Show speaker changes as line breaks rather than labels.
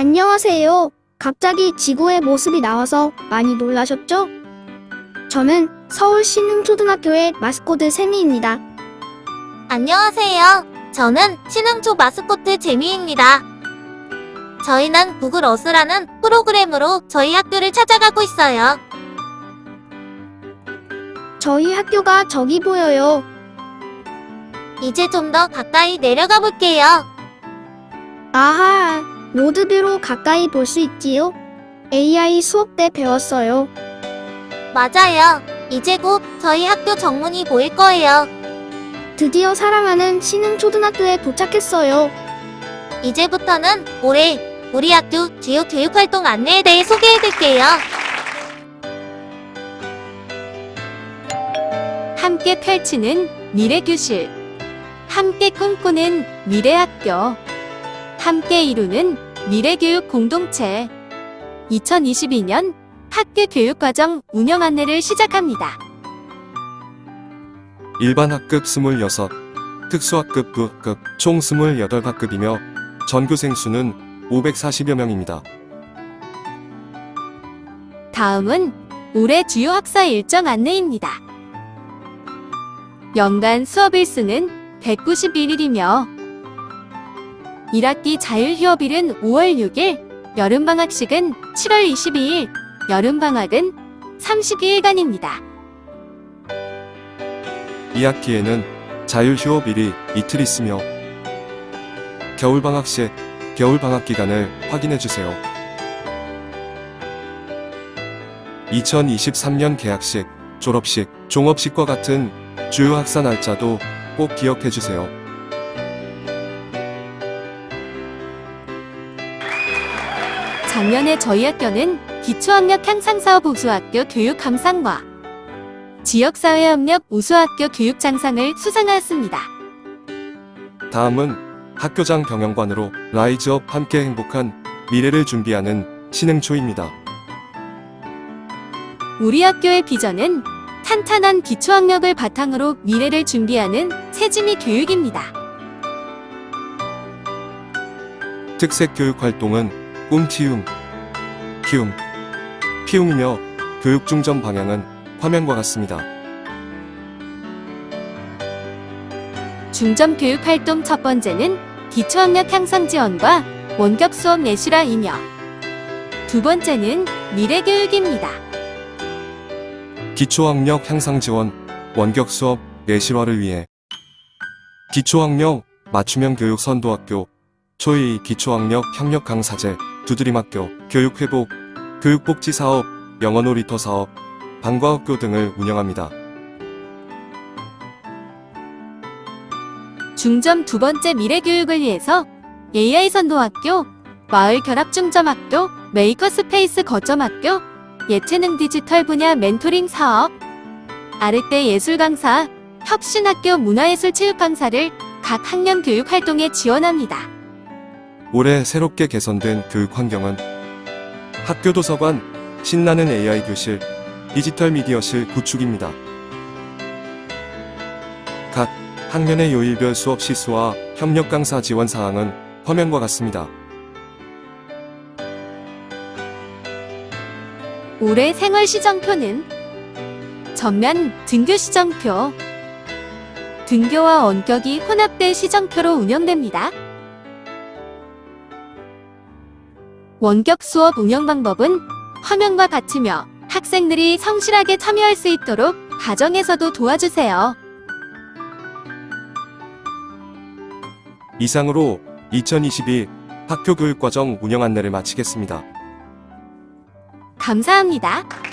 안녕하세요. 갑자기 지구의 모습이 나와서 많이 놀라셨죠? 저는 서울 신흥초등학교의 마스코트 세미입니다.
안녕하세요. 저는 신흥초 마스코트 재미입니다. 저희는 구글 어스라는 프로그램으로 저희 학교를 찾아가고 있어요.
저희 학교가 저기 보여요.
이제 좀 더 가까이 내려가 볼게요.
아하, 로드뷰로 가까이 볼 수 있지요? AI 수업 때 배웠어요.
맞아요. 이제 곧 저희 학교 정문이 보일 거예요.
드디어 사랑하는 신흥초등학교에 도착했어요.
이제부터는 올해 우리 학교 주요 교육활동 안내에 대해 소개해드릴게요.
함께 펼치는 미래교실, 함께 꿈꾸는 미래학교, 함께 이루는 미래교육 공동체. 2022년 학교 교육과정 운영 안내를 시작합니다.
일반학급 26, 특수학급 9급 총 28학급이며 전교생 수는 540여 명입니다.
다음은 올해 주요 학사 일정 안내입니다. 연간 수업 일수는 191일이며 1학기 자율휴업일은 5월 6일, 여름방학식은 7월 22일, 여름방학은 32일간입니다.
2학기에는 자율휴업일이 이틀 있으며 겨울방학 시 겨울방학 기간을 확인해주세요. 2023년 개학식, 졸업식, 종업식과 같은 주요 학사 날짜도 꼭 기억해주세요.
작년에 저희 학교는 기초학력 향상사업 우수학교 교육감상과 지역사회협력 우수학교 교육장상을 수상하였습니다.
다음은 학교장 경영관으로 라이즈업 함께 행복한 미래를 준비하는 신흥초입니다.
우리 학교의 비전은 탄탄한 기초학력을 바탕으로 미래를 준비하는 세진이 교육입니다.
특색 교육 활동은 꿈 키움, 피움이며 교육 중점 방향은 화면과 같습니다.
중점 교육 활동 첫 번째는 기초학력 향상 지원과 원격 수업 내실화이며 두 번째는 미래교육입니다.
기초학력 향상 지원, 원격 수업 내실화를 위해 기초학력 맞춤형 교육 선도학교, 초이 기초학력 협력 강사제, 두드림학교, 교육회복, 교육복지사업, 영어 놀이터 사업, 방과학교 등을 운영합니다.
중점 두 번째 미래교육을 위해서 AI 선도학교, 마을 결합중점학교, 메이커스페이스 거점학교, 예체능 디지털 분야 멘토링 사업, 아르떼 예술 강사, 혁신학교 문화예술 체육 강사를 각 학년 교육 활동에 지원합니다.
올해 새롭게 개선된 교육 환경은 학교 도서관, 신나는 AI 교실, 디지털 미디어실 구축입니다. 각 학년의 요일별 수업 시수와 협력 강사 지원 사항은 화면과 같습니다.
올해 생활 시정표는 전면 등교 시정표, 등교와 원격이 혼합된 시정표로 운영됩니다. 원격 수업 운영 방법은 화면과 같으며 학생들이 성실하게 참여할 수 있도록 가정에서도 도와주세요.
이상으로 2022 학교 교육과정 운영 안내를 마치겠습니다.
감사합니다.